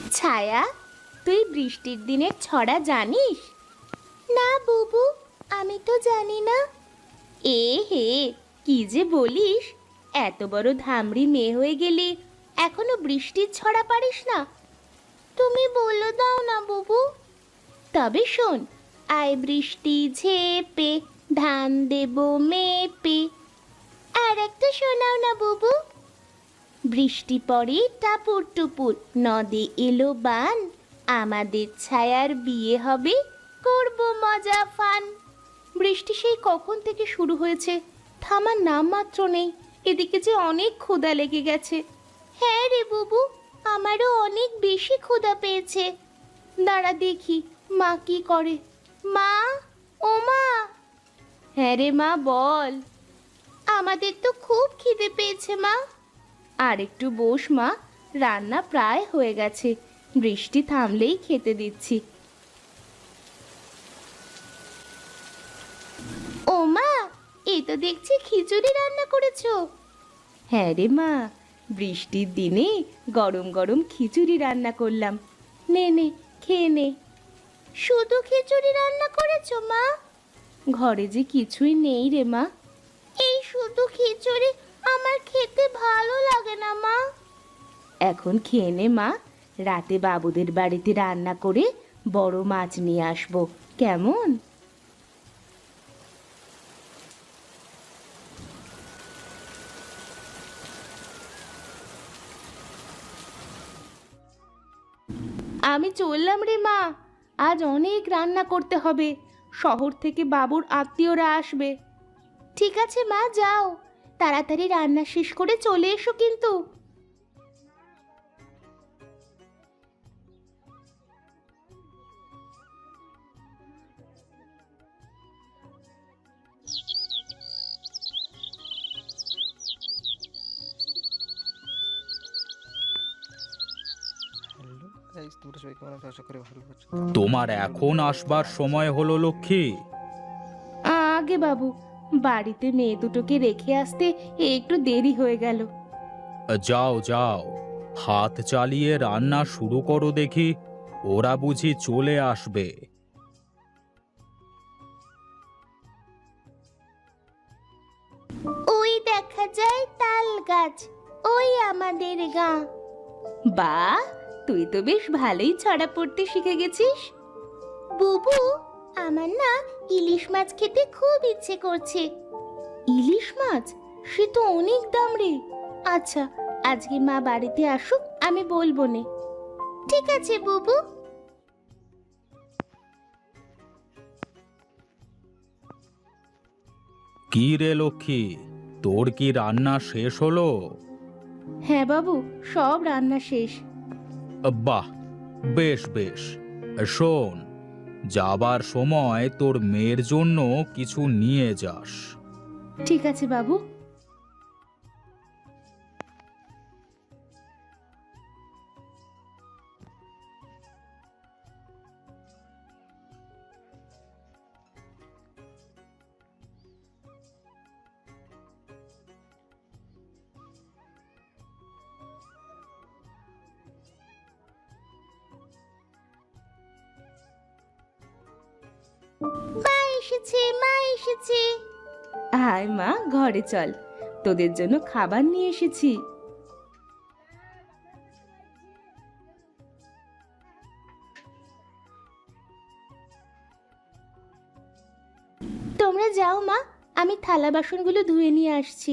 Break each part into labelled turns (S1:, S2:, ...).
S1: ছায়া, তুই বৃষ্টির দিনের ছড়া জানিস? না বুবু, আমি তো জানি না। এ হে, কি যে বলিস! এত বড় ধামড়ি মেয়ে হয়ে গেলি, এখনো বৃষ্টির ছড়া পারিস না? তুমি বলে দাও না বুবু। তবে শোন, আয় বৃষ্টি ঝেপে, ধান দেব মেপে। আর একটা শোনাও না বুবু। বৃষ্টি পড়ে টাপুর টুপুর, নদে এলো বান, আমাদের ছায়ার বিয়ে হবে, করব মজা ফান। বৃষ্টি সেই কখন থেকে শুরু হয়েছে, থামার নাম মাত্র নেই। এদিকে যে অনেক ক্ষুধা লেগে গেছে। হ্যাঁ রে বুবু, আমারও অনেক বেশি ক্ষুধা পেয়েছে। দাঁড়া দেখি মা কি করে। মা, ও মা! হ্যাঁ রে মা, বল। আমাদের তো খুব খিদে পেয়েছে মা। আর একটু বস মা, রান্না প্রায় হয়ে গেছে, বৃষ্টি থামলেই খেতে দিচ্ছি। ও মা, এই তো দেখছি খিচুড়ি রান্না করেছো। হ্যাঁ রে মা, বৃষ্টির দিনে গরম গরম খিচুড়ি রান্না করলাম। নে নে, খেয়ে নে। শুধু খিচুড়ি রান্না করেছো মা? ঘরে যে কিছুই নেই রে মা। এই শুধু খিচুড়ি আমার খেতে ভালো লাগে না মা। এখন খেয়ে নে মা, রাতে বাবুদের বাড়িতে রান্না করে বড় মাছ নিয়ে আসবো, কেমন? আমি চললাম রে মা, আজ অনেক রান্না করতে হবে, শহর থেকে বাবুর আত্মীয়রা আসবে। ঠিক আছে মা, যাও, তাড়াতাড়ি রান্না শেষ করে চলে এসো কিন্তু।
S2: তোমার এখন আসবার সময় হলো লক্ষ্মী।
S1: আগে বাবু, বাড়িতে মেয়ে দুটোকে রেখে আসতে একটু দেরি হয়ে গেল।
S2: যাও যাও, হাত চালিয়ে রান্না শুরু করো দেখি, ওরা বুঝি চলে আসবে।
S1: ওই দেখা যায় তাল গাছ, ওই আমাদের গা। বাহ, তুই তো বেশ ভালোই ছড়া পড়তে শিখে গেছিস। বুবু, আমার না ইলিশ মাছ খেতে খুব ইচ্ছে করছে। ইলিশ মাছ? সে তো অনেক দাম রে। আচ্ছা, আজকে মা বাড়িতে আসুক, আমি বলবো নে। ঠিক আছে বুবু।
S2: কি রে লক্ষ্মী, তোর কি রান্না শেষ হলো?
S1: হ্যাঁ বাবু, সব রান্না শেষ।
S2: বাহ, বেশ বেশ। শোন, যাবার সময় তোর মেয়ের জন্য কিছু নিয়ে যাস।
S1: ঠিক আছে বাবু। মা এসেছে, মা এসেছে। আয় মা, ঘরে চল, তোদের জন্য খাবার নিয়ে এসেছি। তোমরা যাও মা, আমি থালা বাসনগুলো ধুয়ে নিয়ে আসছি।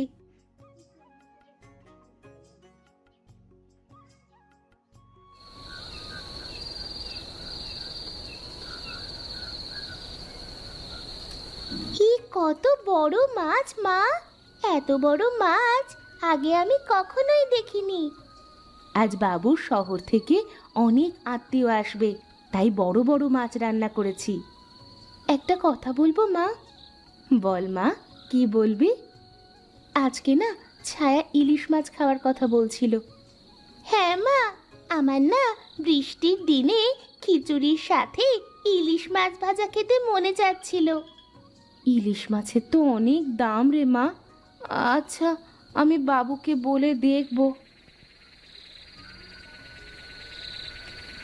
S1: কি কত বড় মাছ মা! এত বড় মাছ আগে আমি কখনোই দেখিনি। আজ বাবুর শহর থেকে অনেক আত্মীয় আসবে, তাই বড় বড় মাছ রান্না করেছি। একটা কথা বলবো মা? বল মা, কি বলবি? আজকে না ছায়া ইলিশ মাছ খাওয়ার কথা বলছিল। হ্যাঁ মা, আমার না বৃষ্টির দিনে খিচুড়ির সাথে ইলিশ মাছ ভাজা খেতে মনে যাচ্ছিল। ইলিশ মাছের তো অনেক দাম রে মা। আচ্ছা, আমি বাবুকে বলে দেখব।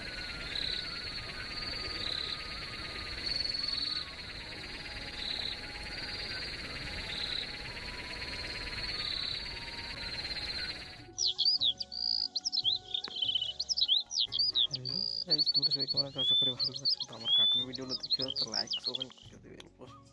S3: গাইস, তোমরা সবাই কেমন আছো? আশা করি ভালো আছো। তো আমার কার্টুন ভিডিওগুলো দেখো, তো লাইক কমেন্ট করে দিবেন।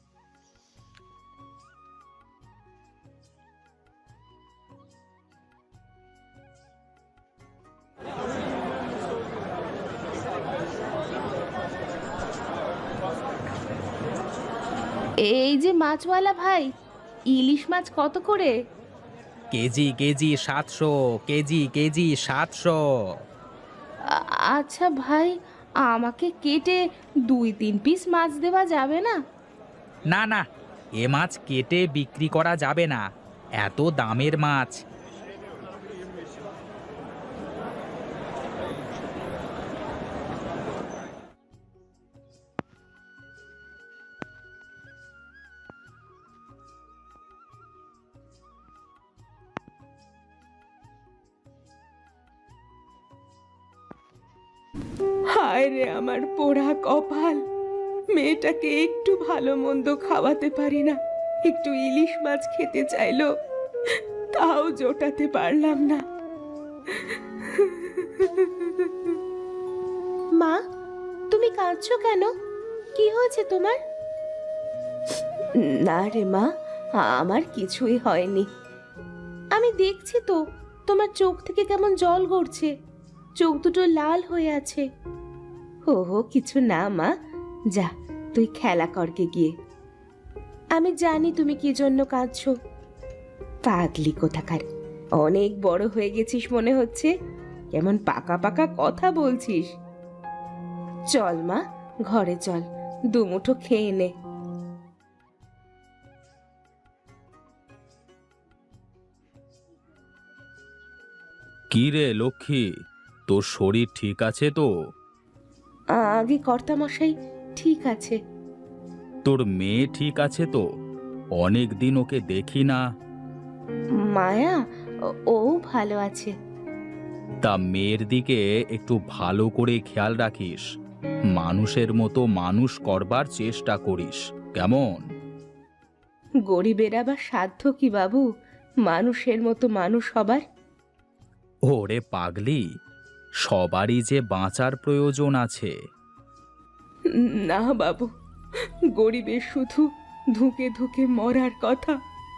S1: এই যে মাছওয়ালা ভাই, ইলিশ মাছ কত করে?
S2: KG KG 700, KG KG 700।
S1: আচ্ছা ভাই, আমাকে কেটে 2-3 পিস মাছ দেওয়া যাবে না?
S2: না না, এ মাছ কেটে বিক্রি করা যাবে না, এত দামের মাছ।
S1: হায় রে আমার পোড়া কপাল, মেয়েটাকে একটু ভালো মন্দ খাওয়াতে পারি না। একটু ইলিশ মাছ খেতে চাইলো, তাও জোটাতে পারলাম না। মা, তুমি কাঁদছো কেন? কি হয়েছে তোমার? না রে মা, আমার কিছুই হয়নি। আমি দেখছি তো, তোমার চোখ থেকে কেমন জল গড়ছে, চোখ দুটো লাল হয়ে আছে। ওহো কিছু না মা, যা তুই খেলা করকে গিয়ে। আমি জানি তুমি কি জন্য কাঁদছো। পাগলি কোথাকার, অনেক বড় হয়ে গেছিস মনে হচ্ছে, কেমন পাকা পাকা কথা বলছিস। চল মা, ঘরে চল, দুমুঠো খেয়ে নে।
S2: কি রে লক্ষ্মী, তোর শরীর ঠিক আছে তো?
S1: আগে কর্তামশাই ঠিক আছে।
S2: তোর মেয়ে ঠিক আছে তো? অনেক দিন ওকে দেখি না।
S1: মায়া, ও ভালো আছে।
S2: তা মেয়ের দিকে একটু ভালো করে খেয়াল রাখিস, মানুষের মতো মানুষ করবার চেষ্টা করিস, কেমন?
S1: গরিবের আবার সাধ্য কি বাবু মানুষের মতো মানুষ হবার?
S2: ওরে পাগলি, সবারই যে বাঁচার প্রয়োজন আছে।
S1: না বাবু, গরিবের শুধু ধুকে ধুকে মরার কথা।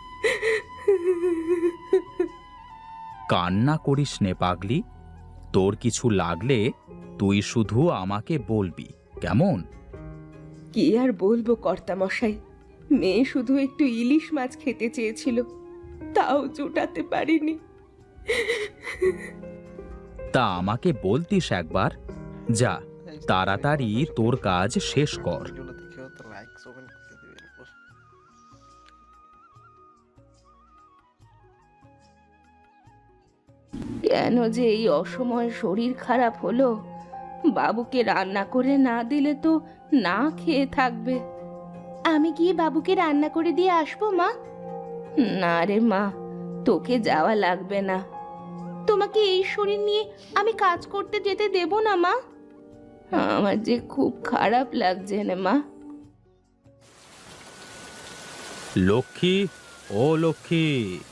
S2: কান্না করিস নে পাগলি, তোর কিছু লাগলে তুই শুধু আমাকে বলবি, কেমন?
S1: কি আর বলবো কর্তামশাই, মেয়ে শুধু একটু ইলিশ মাছ খেতে চেয়েছিল, তাও জোটাতে পারিনি।
S2: তা আমাকে বলতিস একবার। যা, তাড়াতাড়ি তোর কাজ শেষ কর।
S3: ভিডিওগুলো দেখো, তো লাইক কমেন্ট করে দিবেন।
S1: কেন যে এই অসময়ে শরীর খারাপ হলো, বাবুকে রান্না করে না দিলে তো না খেয়ে থাকবে। আমি গিয়ে বাবুকে রান্না করে দিয়ে আসবো মা। না রে মা, তোকে যাওয়া লাগবে না। তোমাকে এই শরীর নিয়ে আমি কাজ করতে যেতে দেব না মা। আমার যে খুব খারাপ লাগছে না মা।
S2: লক্ষ্মী, ও লক্ষ্মী।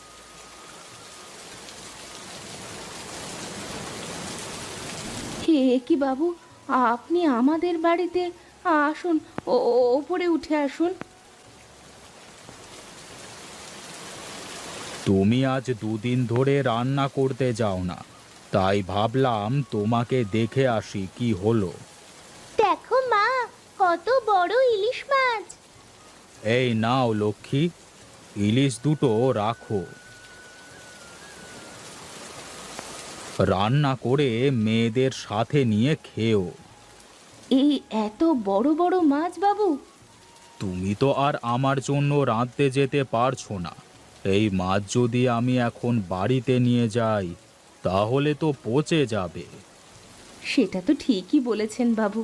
S1: হে কি বাবু, আপনি আমাদের বাড়িতে? আসুন, ওপরে উঠে আসুন।
S2: তুমি আজ দুদিন ধরে রান্না করতে যাও না, তাই ভাবলাম তোমাকে দেখে আসি কি হলো।
S1: দেখো মা, কত বড় ইলিশ মাছ।
S2: এই নাও লক্ষ্মী, ইলিশ দুটো রাখো, রান্না করে মেয়েদের সাথে নিয়ে খেও।
S1: এই এত বড় বড় মাছ বাবু?
S2: তুমি তো আর আমার জন্য রাঁধতে যেতে পারছো না, এই মাছ যদি আমি এখন বাড়িতে নিয়ে যাই তাহলে তো পচে যাবে।
S1: সেটা তো ঠিকই বলেছেন বাবু।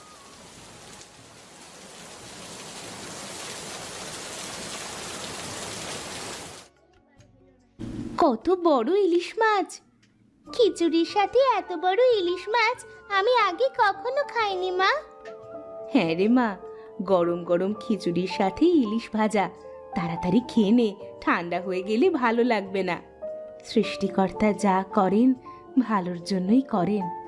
S1: কত বড় ইলিশ মাছ! খিচুড়ির সাথে এত বড় ইলিশ মাছ আমি আগে কখনো খাইনি মা। হ্যাঁ রে মা, গরম গরম খিচুড়ির সাথে ইলিশ ভাজা, তাড়াতাড়ি খেয়ে নে, ঠান্ডা হয়ে গেলে ভালো লাগবে না। সৃষ্টিকর্তা যা করেন ভালোর জন্যই করেন।